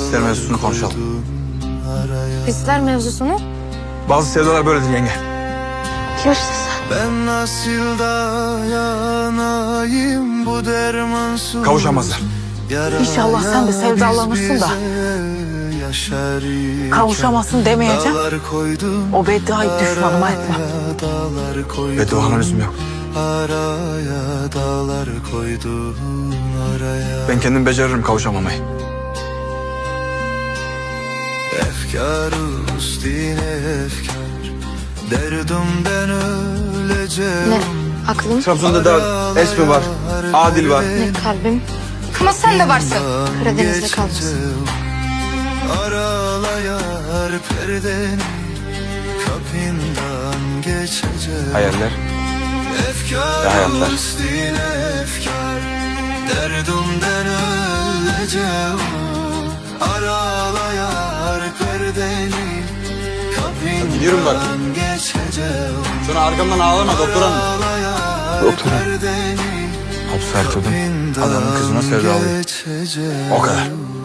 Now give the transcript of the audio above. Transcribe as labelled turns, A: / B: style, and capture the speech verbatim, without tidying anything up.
A: hisler mevzusunu konuşalım.
B: Hisler mevzusunu?
A: Bazı sevdalar böyledir yenge.
B: Kimsin sen?
C: Ben nasıl dayanayım bu dermansız.
A: Kavuşamazlar.
D: İnşallah sen de sevdalanırsın da. Kavuşamazsın demeyeceğim. O bedduayı düşmanıma etme.
A: Bedduana lüzum yok.
C: Araya dağlar koydun araya.
A: Ben kendim beceririm kavuşamamayı.
C: Efkar üstüne efkar, derdimden öleceğim.
B: Ne? Aklım?
A: Trabzon'da da Esmi var, Adil var.
B: Ne kalbim? Ama sen de varsın. Karadeniz'de kalmasın.
C: Aralayar perdeni, kapından geçeceğim.
A: Hayaller
C: Efkar
A: ve hayatlar.
C: üstüne efkar, derdimden öleceğim. Aralayar perdeni,
A: Gidiyorum bak.
C: kapından geçeceğim.
A: Sonra arkamdan ağlama doktor hanım. Doktor hanım.
C: Perdeni,
A: Hapse erteledim. Adamın kızına sevdalıyım.
C: geçeceğim.
A: O kadar.